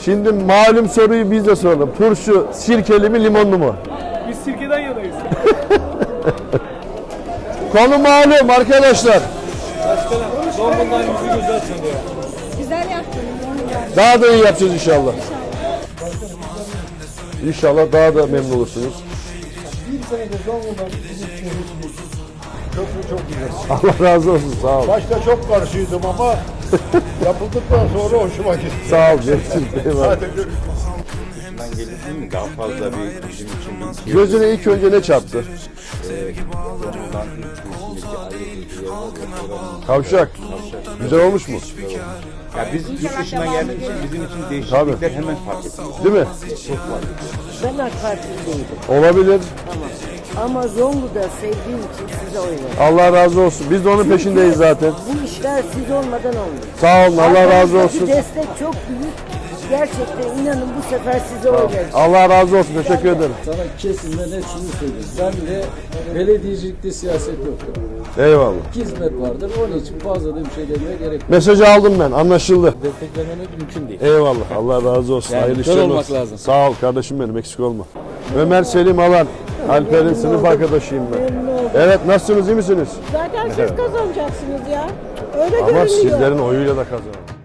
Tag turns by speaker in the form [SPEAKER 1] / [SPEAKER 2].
[SPEAKER 1] Şimdi malum soruyu biz de soralım. Turşu sirkeli mi limonlu mu?
[SPEAKER 2] Biz sirkeden yanayız.
[SPEAKER 1] Konu malum arkadaşlar.
[SPEAKER 2] Başkanım, Zonguldak'ın yüzü güzel çalıyor.
[SPEAKER 3] Güzel yaptın.
[SPEAKER 1] Daha da iyi yapacağız inşallah. İnşallah daha da memnun olursunuz.
[SPEAKER 4] Bir senedir Zonguldak bizim şehrimiz. Köprü çok güzel.
[SPEAKER 1] Allah razı olsun, sağ ol.
[SPEAKER 4] Başta çok karşıydım ama yapıldıktan sonra hoşuma gitti.
[SPEAKER 1] Sağ ol Cemil. Eyvallah.
[SPEAKER 4] Hadi görüşürüz.
[SPEAKER 5] Ben gelirsin mi? Daha fazla bir bizim için bir
[SPEAKER 1] Gözüne ilk önce ne çarptı?
[SPEAKER 5] Zonguldak'ın içindeki ayrı bir yer var.
[SPEAKER 1] Kavşak. Güzel olmuş mu?
[SPEAKER 5] Ya biz yurt dışına geldiğimiz için bizim için değişiklikler hemen fark ediyoruz.
[SPEAKER 1] Değil mi?
[SPEAKER 5] Çok fark ediyoruz.
[SPEAKER 6] Ben AK Partiliydim
[SPEAKER 1] Olabilir.
[SPEAKER 6] ama Zonguldak'ı sevdiğim için size oy verdim.
[SPEAKER 1] Allah razı olsun. Biz de onun peşindeyiz zaten.
[SPEAKER 6] Bu işler siz olmadan olmuyor.
[SPEAKER 1] Sağ olun. Allah razı
[SPEAKER 6] Arkanızdaki
[SPEAKER 1] olsun.
[SPEAKER 6] destek çok büyük. Gerçekten inanın bu sefer size oy vereceğim.
[SPEAKER 1] Allah razı olsun. Teşekkür ederim.
[SPEAKER 7] Sana kesinlikle net şunu söyleyeyim. Ben de belediyecilikte siyaset yoktur.
[SPEAKER 1] Eyvallah.
[SPEAKER 7] Hizmet vardır. Onun için fazla da bir şey demeye gerek yok.
[SPEAKER 1] Mesajı aldım ben. Anlaşıldı.
[SPEAKER 7] Desteklememek mümkün değil.
[SPEAKER 1] Eyvallah. Allah razı olsun.
[SPEAKER 7] Yani
[SPEAKER 1] Hayırlı
[SPEAKER 7] kör
[SPEAKER 1] işler
[SPEAKER 7] olmak
[SPEAKER 1] olsun.
[SPEAKER 7] lazım.
[SPEAKER 1] Sağ ol kardeşim benim. Eksik olma. Ömer Selim Alan. Alper'in sınıf arkadaşıyım ben. Evet, nasılsınız? İyi misiniz?
[SPEAKER 3] Zaten siz kazanacaksınız ya. Öyle
[SPEAKER 1] Ama
[SPEAKER 3] görünüyor.
[SPEAKER 1] sizlerin oyuyla da kazanın.